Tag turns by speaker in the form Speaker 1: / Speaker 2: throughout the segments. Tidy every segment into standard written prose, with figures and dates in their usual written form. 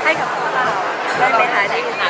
Speaker 1: ให้กับพวกเราได้ไปหาที่ไหน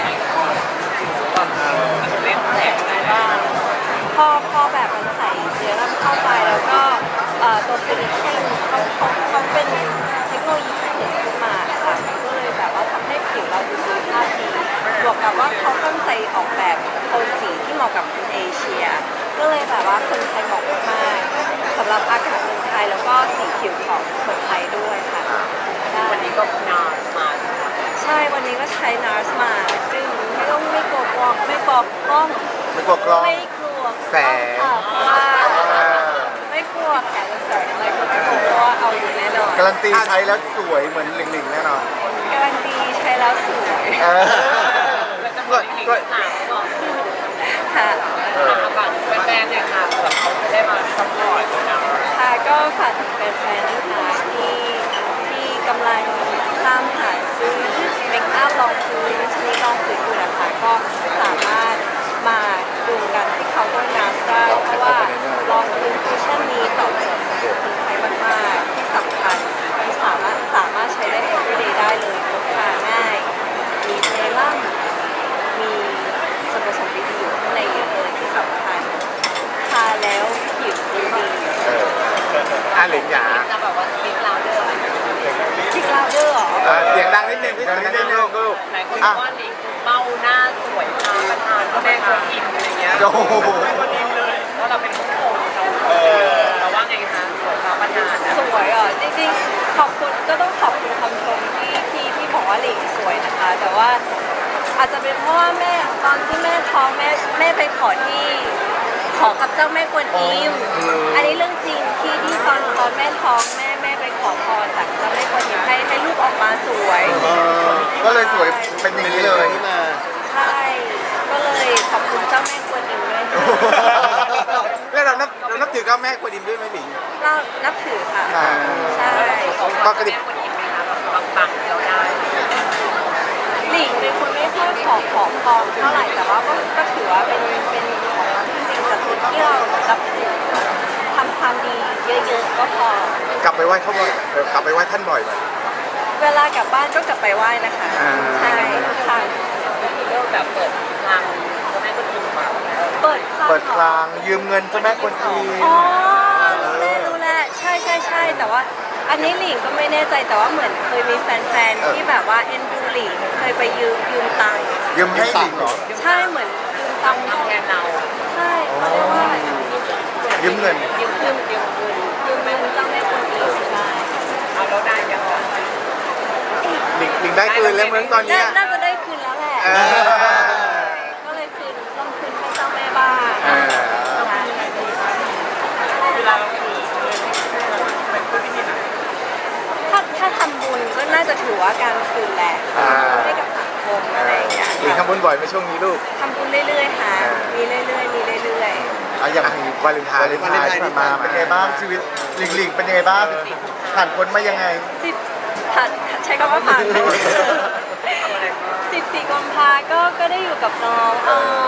Speaker 2: เล่นแสงอะไรบ้าง
Speaker 1: พอแบบมันใส่เชื้อแล้วเข้าไปแล้วก็ตัวฟิลิปปินส์เขาเป็นเทคโนโลยีพิเศษขึ้นมาค่ะก็เลยแบบว่าทำให้ผิวเราดูสุขภาพดีบวกกับว่าเขาตั้งใจออกแบบโทนสีที่เหมาะกับคนเอเชียก็เลยแบบว่าคนไทยเหมาะมากสำหรับอากาศเมืองไทยแล้วก็สีผิวของคนไทยด้วยค่ะ
Speaker 2: วันนี้ก็นามา
Speaker 1: ใช่วันนี้ก็ใช้ NARS มาซึ่งไม่กลัวกล้องไม่กลัวกล้อง
Speaker 3: ไม่กลัวกล้อง
Speaker 1: ไม่กลัว
Speaker 3: แสง
Speaker 1: เพราะว่าไม่กลัวแสงแสงอะไรก็ไม่กลัวเพราะว่าเอาอยู่แน่นอน
Speaker 3: การันตีใช้แล้วสวยเหมือนหลิงๆแน่นอน
Speaker 1: การันตีใช้แล้วสวย
Speaker 2: แล้วจะบอกอีกถามก่อน
Speaker 1: ค่ะ
Speaker 2: ฝากแฟนๆเนี่ยค่ะเผื่อเขาจะได้มาซัพพอร์ตนะ
Speaker 1: ค่ะก็ฝากถึงแฟนๆนะคะที่กำลังตามหาซื้อเมคอัพลองพื้นชนิดลองพื้นอยู่นะคะก็สามารถมาดูกันที่เขาด้วยน้ำได้เพราะว่าลองพื้นคุชชั่นนี้ตอบโจทย์คนไทยมากๆที่สำคัญสามารถใช้ได้ everyday ได้เลยพกพาง่ายมีเซรั่มมีส่วนผสมดีๆอยู่ข้างในเยอะเลยที่สำคัญทาแล้วผิวดี
Speaker 3: หลิงหยา
Speaker 2: จะแบบว่าสปีกลาวเดอร์อะไร
Speaker 1: สปีกลาวเดอร์หรอ
Speaker 3: เสียงดังนิดนึงพี่เสียงดังนิดนึงลูก
Speaker 2: หลายคนบอกว่าหลิงเบ้าหน้าสวยตาประธานก็แม่คนอินอะไรเงี้ย
Speaker 3: โอ้โห
Speaker 2: ว่าเราเป็นผู้ชมเราว่าไงคะสวยตาประธาน
Speaker 1: สวยอ่ะจริงๆขอบคุณก็ต้องขอบคุณคำชมที่บอกว่าหลิงสวยนะคะแต่ว่าอาจจะเป็นเพราะว่าแม่ตอนที่แม่ท้องแม่ไปขอกับเจ้าแม่กวนอิมอันนี้เรื่องจริงที่ตอนแม่ท้องแม่ไปขอพรจากเจ้าแม่กวนอิมให้ลูกออกมาสวย
Speaker 3: ก็เลยสวยเป็นอย่างนี้เลย
Speaker 1: ใช่ก็เลยขอบคุณเจ้าแม่กวนอิมด้วย
Speaker 3: แล้วเรานับถือเจ้าแม่กวนอิมด้วยไหมหลิง
Speaker 1: เรานับถือค่ะใช่
Speaker 3: ปกติ
Speaker 2: ปังเราได้
Speaker 1: หลิงเป็นคนไม่ค่อยขอพรเท่าไหร่แต่ว่าก็ถือว่าเป็นสิ่งศักดิ์สิทธิ์ที่เรารับถือทำความดีเยอะๆก็พอก
Speaker 3: ลับไปไหว้เขาบ่อยกลับไปไหว้ท่านบ่อยไหม
Speaker 1: เวลากลับบ้านก็กลับไปไหว้นะคะใช่ค่ะ
Speaker 2: เริ่มแบบเปิดทางเจ้าแม่กวนอิมมา
Speaker 1: เปิด
Speaker 3: คลางยืมเงินเจ้าแม่กวนอิม
Speaker 1: อ๋อรู้แล้วใช่แต่ว่าอันนี้หลิงก็ไม่แน่ใจแต่ว่าเหมือนเคยมีแฟนๆที่แบบว่าเอ็นดูหลิงเคยไปยืมตังค์
Speaker 3: ยืมให้หลิงเหรอ
Speaker 1: ใช่เหมือนยืมตังค์
Speaker 2: ทำแทนเรา
Speaker 1: ใช่เขาเรียกว่า
Speaker 3: ยืมเงิน
Speaker 1: ยืมเงินเจ้าแม่กวนอิมใช่
Speaker 2: เอาเราได้ยังไง
Speaker 3: หลิงได้คืนแล้วเมื่อตอนนี้
Speaker 1: น่าจะได้คืนแล้วแหละก็เลยลองคืนให้เจ้าแม่บ้าง
Speaker 2: เวลาเราคืน
Speaker 1: ถ้าทำบุญก็น่าจะถือว่าการคืนแหละให้กับสังคมอะไรอย่างเงี้ย
Speaker 3: หลิงทำบุญบ่อยไหมช่วงนี้ลูก
Speaker 1: ทำบุญเรื่อยๆค่ะมีเรื่อย
Speaker 3: ๆอย่างวาเลนไทน์ที่ผ่านมาเป็นไงบ้างชีวิตหลิงเป็นยังไงบ้างผ่านพ้นมายังไง
Speaker 1: ใช้คำว่าผ่าน14 กุมภาก็ได้อยู่กับน้อง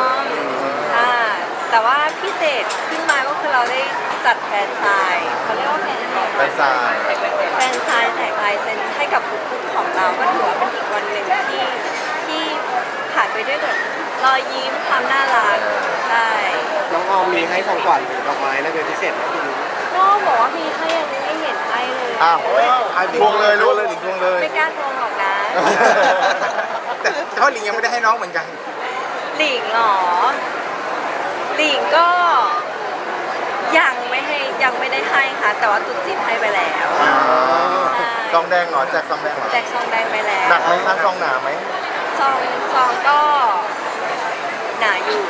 Speaker 1: แต่ว่าพิเศษขึ้นมาก็คือเราได้จัดแฟนไซน์เขาเรียกว่าแฟนไซน์แจกลายเซ็นให้กับทุกๆของเราก็ถือว่าเป็นอีกวันหนึ่งที่ผ่านไปด้วยแบบรอยยิ้มความน่ารักใช่
Speaker 3: น้องออมมีให้ของขวัญหรือดอกไม้อะไรเป็นพิเศษไหมพี่นุ๊ก
Speaker 1: ก็บอกว่ามีให้ยังไม่เห็นให้เลย
Speaker 3: ทวงเลยรู้เลยหลิงทวงเลย
Speaker 1: ไม่กล้าทวงหรอกนะ
Speaker 3: แต่เพราะหลิงยังไม่ได้ให้น้องเหมือนกัน
Speaker 1: หลิงหรอหลิงก็ยังไม่ได้ให้ค่ะแต่ว่าตุ๊ดจีนให้ไปแล้ว
Speaker 3: ซองแดงเหรอแจกซองแดงเหรอ
Speaker 1: แจกซองแดงไปแล้ว
Speaker 3: หนักไหมคะซองหนาไหม
Speaker 1: ซองก็หนาอยู่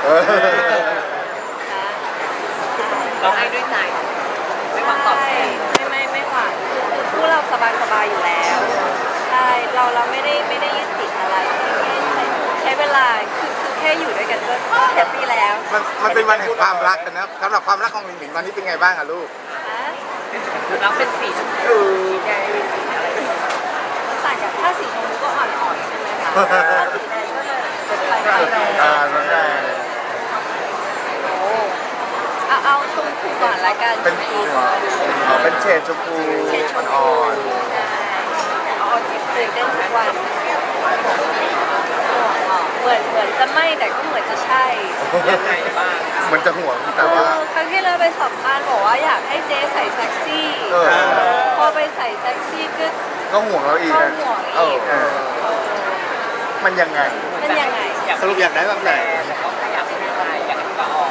Speaker 2: เราให้ด้วยใจไม่หวังตอบแทน
Speaker 1: ไม่หวังคือคู่เราสบายอยู่แล้วใช่เราไม่ได้ยึดติดอะไรใช้เวลาคือแค่อยู่ด้วยกันก็แฮปปี้แล้ว
Speaker 3: มันเป็นวันแห่งความรักนะสำหรับความรักของหลิงวันนี้เป็นไงบ้างอะลูก
Speaker 2: เราเป็นสีชมพูแดงอะไร
Speaker 1: ต่างกับถ้าสีชมพูก็อ่อนๆใช่ไหมคะถ้าสีแดงก็จะไป
Speaker 3: น้ำแดง
Speaker 1: เอาชมพูก่อนละกัน
Speaker 3: เป็นเฉดชมพูอ่อน
Speaker 1: เอาจิตตื่นเต้นทุกวันเหมือนจะไม่แต่ก็เหมือนจะใช่
Speaker 2: ยังไงบ้าง
Speaker 3: มันจะห่วงแต่ว่า
Speaker 1: ครั้งที่เราไปสัมภาษณ์บอกว่าอยากให้เจ๊ใส่เซ็กซี่
Speaker 3: เออ
Speaker 1: พอไปใส่เซ็กซี่ก็
Speaker 3: ก็ห่วงเราอีก
Speaker 1: ก็
Speaker 3: นะ
Speaker 1: ห่วง
Speaker 3: เอ
Speaker 1: อี
Speaker 3: อก มันยังไง
Speaker 1: เป็นยังไง
Speaker 3: สรุปอยากได้แบบไหน
Speaker 2: แต่ก็ไม่อยากเป็นอะไรอยากเป็นกระออก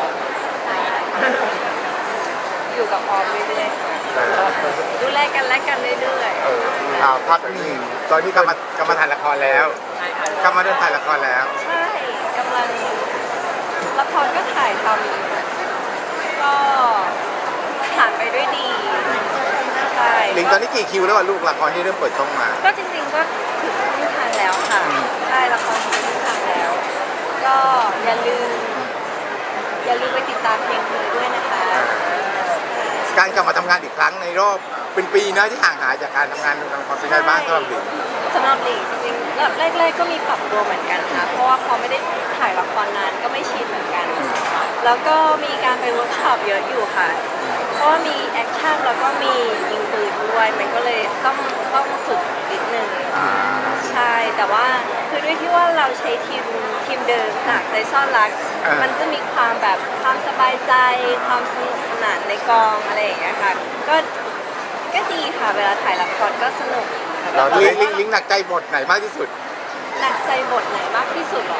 Speaker 1: อยู่กับออมเรื่อยๆดูแลกันและกันเรื่อย
Speaker 3: พักนี่ตอนนี้กำมาถ่ายละครแล้ว
Speaker 2: ใช่ค่ะ
Speaker 3: กำมาเดินถ่ายละครแล้ว
Speaker 1: ๆ ใช่กำลังละครก็ถ่ายทำก็ผ่านไปด้วยดีใช่
Speaker 3: ลิงตอนนี้กี่คิวแล้วลูกละครที่เริ่มเปิดช่องมา
Speaker 1: ก็จริงๆก็ถึงครึ่งทางแล้วค่ะใช่ละครถึงครึ่งทางแล้ว ก็อย่าลืมไปติดตามเพลงเธอด้วยนะคะ
Speaker 3: การกลับมาทำงานอีกครั้งในรอบเป็นปีนะที่ห่างหายจากการทำงานในความเป็นไงบ้างสำหรับลิง
Speaker 1: สำหรับหลิงจริงๆแรกๆก็มีปรับตัวเหมือนกันค่ะเพราะว่าพอไม่ได้ถ่ายละครนานก็ไม่ชินเหมือนกัน แล้วก็มีการไปเวิร์กช็อปเยอะอยู่ค่ะ เพราะว่ามีแอคชั่นแล้วก็มียิงปืนด้วยมันก็เลยต้องฝึกนิดนึงใช่แต่ว่าคือด้วยที่ว่าเราใช้ทีมเดิมจากใจซ่อนรัก มันจะมีความแบบความสบายใจ ความสนุกสนานในกองอะไรอย่างเงี้ยค่ะก็ดีค่ะเวลาถ่ายละครก็สนุก
Speaker 3: เราลิงหนักใจบทไหนมากที่สุด
Speaker 1: หนักใจบทไหนมากที่สุดหรอ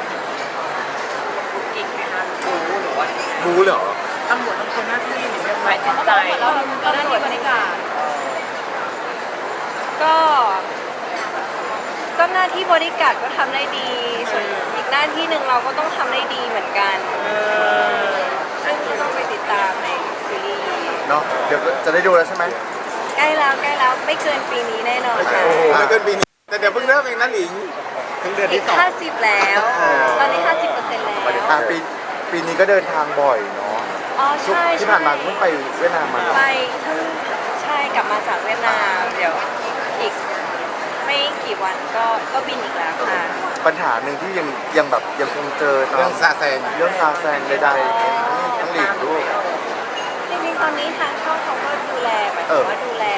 Speaker 2: อีกไหมคะรู้หรือว่า
Speaker 3: รู้เหรอ
Speaker 2: ตำรวจทำคนหน้าที่หรือไม่หมายจิตใจ
Speaker 1: เราหน้าที่บริการก็หน้าที่บริการก็ทำได้ดีส่วนอีกหน้าที่หนึ่งเราก็ต้องทำได้ดีเหมือนกันซึ่งก็ต้องไปติดตามในซีรีส์
Speaker 3: เนาะเดี๋ยวจะได้ดูแล้วใช่ไหม
Speaker 1: ใกล้แล้วไม่เกินปีนี้แน่นอนค่ะ
Speaker 3: โอ้โหไม่เกินปีนี้แต่เดี๋ยวเพิ่งเริ่มเองนะลิงเพิ่งเดือน
Speaker 1: อี
Speaker 3: ที่
Speaker 1: ก
Speaker 3: สอง
Speaker 1: 50แล้ว ตอนนี้ 50%แล้ว
Speaker 3: ปีนี้ก็เดินทางบ่อยเนาะ
Speaker 1: อ๋อใช่
Speaker 3: ที่ผ่านมาก็เพิ่งไปเวียดนามมา
Speaker 1: ไปเพิ่งใช่กลับมาจากเวียดนามเดี๋ยวอีกไม่กี่วันก็บินอีกแล้วค่ะ
Speaker 3: ปัญหาหนึ่งที่ยังแบบยังคงเจอเรื่องซาแซงใดๆทั้งหลีกด้วย
Speaker 1: จริงๆตอนนี้ทางช่องเขาก็ดูแลหมายถึงว่าดูแล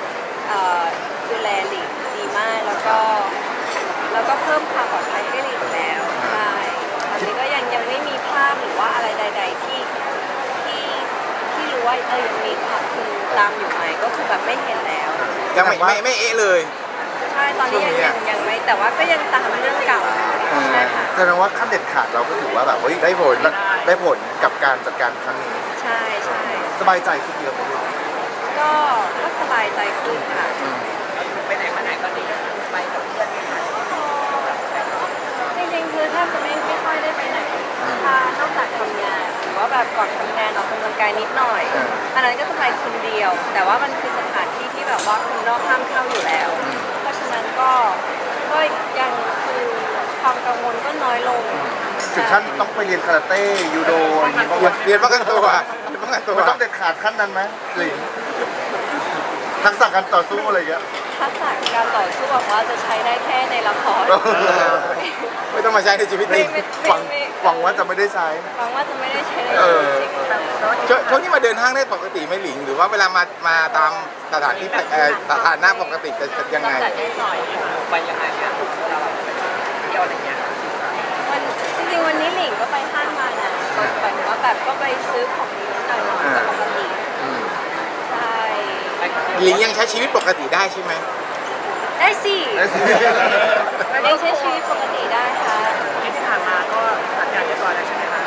Speaker 1: หลีกดีมากแล้วก็เพิ่มความปลอดภัยให้หลีกแล้วใช่ตอนนี้ก็ยังไม่มีภาพหรือว่าอะไรใด ๆที่รู้ว่ายังมีข่าวคือตามอยู่ไหมก็คือแบบไม่เห็นแล้ว
Speaker 3: ยังไม่เอะเลย
Speaker 1: ใช่ตอนนี้ยังไม่แต่ว่าก็ยังตามเรื่องเก่าใช่ค่ะ
Speaker 3: แสดงว่าขั้นเด็ดขาดเราก็ถือว่าแบบเฮ้ยได้ผลกับการจัดการครั้งนี้
Speaker 1: ใช่ใช่
Speaker 3: สบายใจขึ้นเยอะไหมลูก
Speaker 1: ก็สบายใจขึ้นค่ะ
Speaker 2: ไปไหนมาไหนก็ดีไปกับเพื่อนไหมคะ
Speaker 1: จริงๆคือถ้าจะไม่ค่อยได้ไปไหนถ้านอกจากทำงานหรือว่าแบบก่อนทำงานออกกำลังกายนิดหน่อย อันนั้นก็จะไปคนเดียว แต่ว่ามันคือสถานที่ที่แบบว่าคนนอกห้ามเข้าอยู่แล้ว เพราะฉะนั้นก็ยังคือความกังวลก็น้อยลง
Speaker 3: ถึงขั้นต้องไปเรียนคาราเต้ยูโดอย่างนี้บ้างไหมเรียนป้องกันตัวมันต้องเด็ดขาดขั้นนั้นไหมหลิงทักษะการต่อสู้อะไรอย่างเงี้ย
Speaker 1: ทักษะการต่อสู้บอกว่าจะใช้ได้แค่ในละคร
Speaker 3: ไม่ต้องมาใช้ในชีวิตจริงหวังว่าจะไม่ได้ใช้
Speaker 1: หวังว่าจะไม่ได้ใช้ใน
Speaker 3: เออ
Speaker 1: จริงๆ
Speaker 3: ช่วงนี้มาเดินห้างได้ปกติไหมหลิง หรือว่าเวลามาตามสถานที่สถานะปกติจะยังไง
Speaker 2: จัดให้หน่อยไปยังไงเนี่ยเราเที่ยวอะไรเงี้ย
Speaker 1: จริงๆวันนี้หลิงก็ไปห้างมานะหมายถึงว่าแบบก็ไปซื้อของนิดหน่อยๆปกติใช่
Speaker 3: หลิงยังใช้ชีวิตปกติได้ใช่ไหม
Speaker 1: ได้สิยังใช้ชีวิตปกติได้ค่ะ
Speaker 2: ที่ผ่านมาก็จัดการเรียบร้อยแล้วใช่ไหมคะ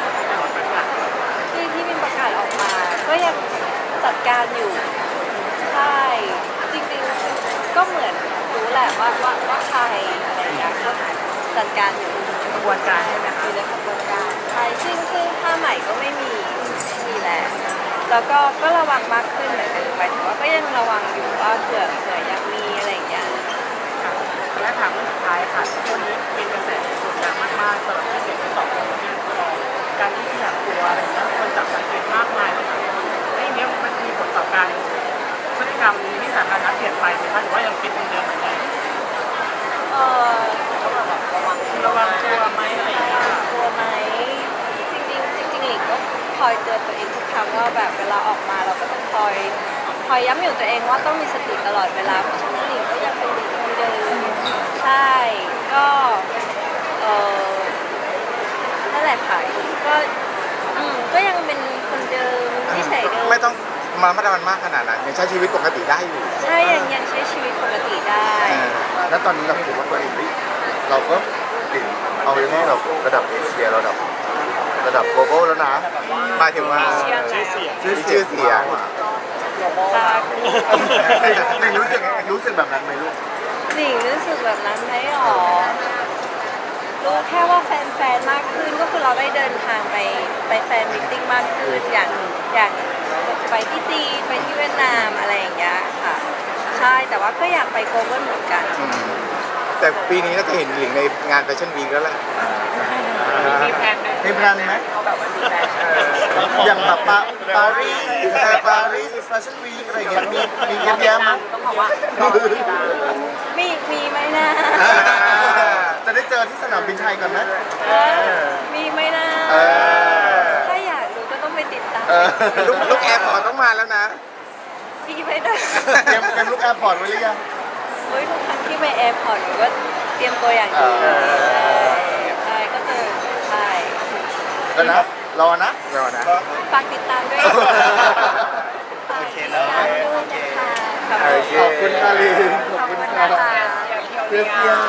Speaker 1: ที่มีประกาศออกมา ก็ยังจัดการอยู่ใช่จริงๆก็เหมือนรู้แหละว่าใครอะไรอย่างเงี้ยก็จัดการอยู่
Speaker 2: กระบวนการใช่ไหม
Speaker 1: อ
Speaker 2: คะ
Speaker 1: ยู่ในกระบวนการใช่ซึ่งผ้าใหม่ก็ไม่มีแล้วแล้วก็ระวังมากขึ้นเหมือนกันหมายถึงว่าก็ยังระวังอยู่ว่าเผื่อยังมีอะไรอย่างเงี้ย
Speaker 2: และถามเรื่องสุดท้ายค่ะช่วงนี้เป็นกระแสโด่งดังมากๆสำหรับที่เสียงที่สองที่การที่อยากตัวอะไรเงี้ยคนจับสังเกตมากมายเลยไอ้เนี้ยมันมีผลต่อการพฤติกรรมที่สาธารณะเปลี่ยนไปไหมคะหรือว่ายังเป็นเหมือนเดิมเหมือนเดิม
Speaker 1: ต้องระวังตัวไหมอะไรอย่างเงี้ยตัวไหมจริงๆหลิงก็คอยเตือนตัวเองทุกครั้งว่าแบบเวลาออกมาเราก็ต้องคอยคอยย้ำอยู่ตัวเองว่าต้องมีสติตลอดเวลาเพราะฉะนั้นหลิงก็ยังเป็นหลิงคนเดิมใช่ก็เออนั่นแหละค่ะก็ก็ยังเป็นคนเดิมนิสัยเดิม
Speaker 4: ไม่ต้องมามาตรมันมากขนาดนั้นยังใช้ชีวิตปกติได้อยู่
Speaker 1: ใช่ยังใช้ชีวิตปกติได้
Speaker 3: แล้วตอนนี้เราคิดว่าตัวเองเราก็ติดเอาไว้ให้เราระดับเอเชียระดับ global แล้วนะ
Speaker 4: หมายถึงว่า
Speaker 2: ชื่อเสียง
Speaker 4: ชื่อเสียง
Speaker 1: ตา
Speaker 3: หนึ่งรู้สึกแบบนั้นไหมลูก
Speaker 1: หลิงรู้สึกแบบนั้นไหมหรอรู้แค่ว่าแฟนๆมากขึ้นก็คือเราได้เดินทางไปแฟนมิทติ้งมากขึ้นอย่างไปที่จีนไปที่เวียดนามอะไรอย่างเงี้ยค่ะใช่แต่ว่าก็อยากไปโกลบอลเหมือนกัน
Speaker 4: แต่ปีนี้น่าจะเห็นหลิงในงานแฟชั่นวีคแล้วแหละ
Speaker 2: มีแพลนไหม
Speaker 3: มีแพลนไหม
Speaker 2: เขาแบบว่ามีแพลน
Speaker 3: อย่างแบบปารีสแฟชั่นวีคอะไรอย่างเงี้ยมีเยอะแยะมั้ง
Speaker 2: ต้องบอกว่า
Speaker 1: มีไหมนะ
Speaker 3: จะได้เจอที่สนามบินไทยก่อนไหม
Speaker 1: มีไหมนะ
Speaker 3: เออ
Speaker 1: ถ้าอยากดูก็ต้องไปติดตาม
Speaker 3: เออ
Speaker 4: ลูกแอร์พอร์ตต้องมาแล้วนะ
Speaker 1: มีไหมนะ
Speaker 3: เตรียมลูกแอร์พอร์ตไว้หรือยัง
Speaker 1: เฮ้ยทุกครั้งที่ไปแอร์พอร์ตหนูก็เตรียมตัวอย่างดีใช่ก็เจอใช่
Speaker 3: ก็นะรอนะ
Speaker 4: รอนะ
Speaker 1: ฝากติดตามด้วยฝากติดตามด้วยนะคะ
Speaker 4: โอเค
Speaker 3: ขอบคุณค่ะลินขอบคุณค่ะ
Speaker 1: นะคะ
Speaker 3: เพื่อน